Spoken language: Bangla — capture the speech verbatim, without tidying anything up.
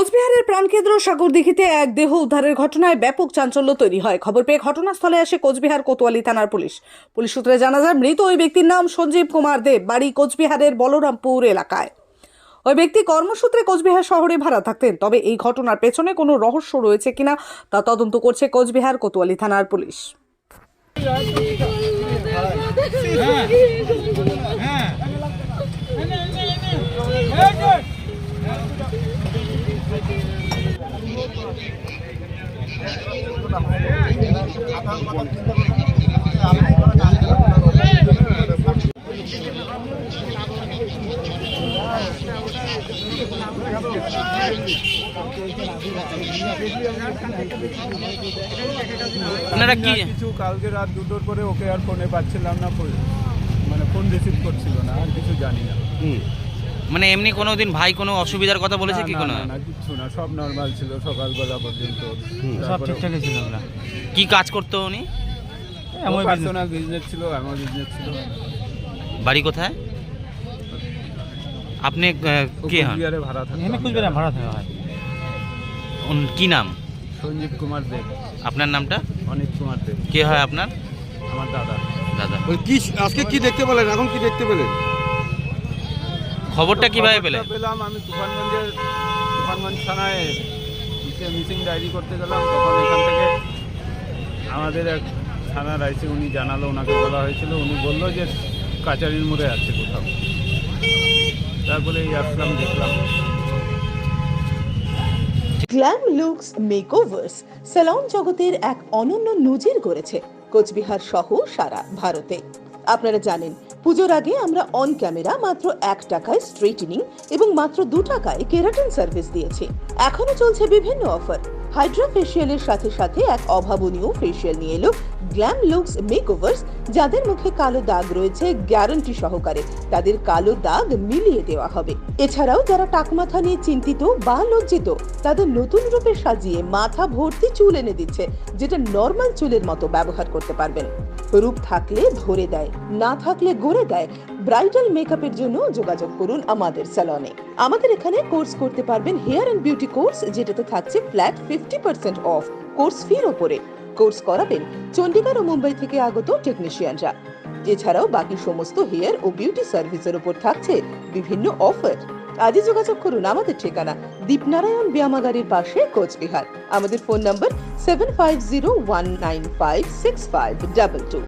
কোচবিহারের প্রাণকেন্দ্র সাগরদিঘিতে এক দেহ উদ্ধারের ঘটনায় ব্যাপক চাঞ্চল্য তৈরি হয়। খবর পেয়ে ঘটনাস্থলে আসে কোচবিহার কোতোয়ালি থানার পুলিশ। পুলিশ সূত্রে জানা যায়, মৃত ওই ব্যক্তির নাম সঞ্জীব কুমার দেব, বাড়ি কোচবিহারের বলরামপুর এলাকায়। ওই ব্যক্তি কর্মসূত্রে কোচবিহার শহরে ভাড়া থাকতেন। তবে এই ঘটনার পেছনে কোনো রহস্য রয়েছে কিনা তা তদন্ত করছে কোচবিহার কোতোয়ালি থানার পুলিশ। আপনারা কি কিছু কালকে রাত দুটোর পরে ওকে আর ফোনে পাচ্ছিলাম না, মানে ফোন রিসিভ করছিল না, আর কিছু জানি না। মানে এমনি কোনো দিন ভাই কোনো অসুবিধার কথা বলেছে কি? কোনো না, কিছু না, সব নর্মাল ছিল সকালবেলা পর্যন্ত, সব ঠিকঠাকই ছিল। আমরা কি কাজ করতো উনি? আমার পার্সোনাল বিজনেস ছিল, আমার বিজনেস ছিল। বাড়ি কোথায়? আপনি আহ, কে হন? কুচবিহারে ভাড়া থাকতো। এখানে কুচবিহারে ভাড়া থাকা হয়। উন- কি নাম? সঞ্জীব কুমার দেব। আপনার নামটা? অনিক কুমার দেব কে হয় আপনার? আমার দাদা। দাদা। কি আজকে কি দেখতে পেলেন? এখন কি দেখতে পেলেন? খবরটা কিভাবে পেলেন? খবরটা পেলাম আমি তুফানগঞ্জের তুফানগঞ্জ থানায় মিসিং ডায়েরি করতে গেলাম। তখন এখান থেকে আমাদের এক থানার আইসি উনি জানালো, ওনাকে বলা হয়েছিল, উনি বললো যে কাচারির মোড়ে আছে কোথাও। তারপরে এই আসলাম, দেখলাম। গ্ল্যাম লুকস মেকওভার্স স্যালন জগতের এক অনন্য নজির গড়েছে কোচবিহার সহ সারা ভারতে। আপনারা জানেন, পুজোর আগে আমরা অন ক্যামেরা মাত্র এক টাকায় স্ট্রেটনিং এবং মাত্র দু টাকায় কেরাটিন সার্ভিস দিয়েছি। এখনো চলছে বিভিন্ন অফার। হাইড্রা ফেসিয়ালের সাথে সাথে এক অভাবনীয় ফেসিয়াল নিয়ে এলো গ্ল্যাম লুকস মেকওভার্স। যাদের মুখে কালো দাগ রয়েছে, গ্যারান্টি সহকারে তাদের কালো দাগ মিলিয়ে দেওয়া হবে। এছাড়াও যারা টাকমাথা নিয়ে চিন্তিত বা লজ্জিত, তাদের নতুন রূপে সাজিয়ে মাথা ভর্তি চুল এনে দিচ্ছে, যেটা নর্মাল চুলের মতো ব্যবহার করতে পারবেন। রূপ থাকলে ধরে দেয়, না থাকলে গড়ে দেয়। ব্রাইডাল মেকআপের জন্য যোগাযোগ করুন আমাদের স্যালনে। আমাদের এখানে কোর্স করতে পারবেন হেয়ার এন্ড বিউটি কোর্স, যেটাতে থাকছে flat fifty percent off course ফির ওপরে। কোর্স করাবেন চণ্ডীগড় ও মুম্বাই থেকে আগত টেকনিশিয়ানরা। এছাড়াও বাকি সমস্ত হেয়ার ও বিউটি সার্ভিসের উপর থাকছে বিভিন্ন অফার। আজই যোগাযোগ করুন আমাদের ঠিকানা দীপনারায়ণ ব্যায়ামাগারের পাশে, কোচবিহার। আমাদের phone number seven five zero one nine five six five double two.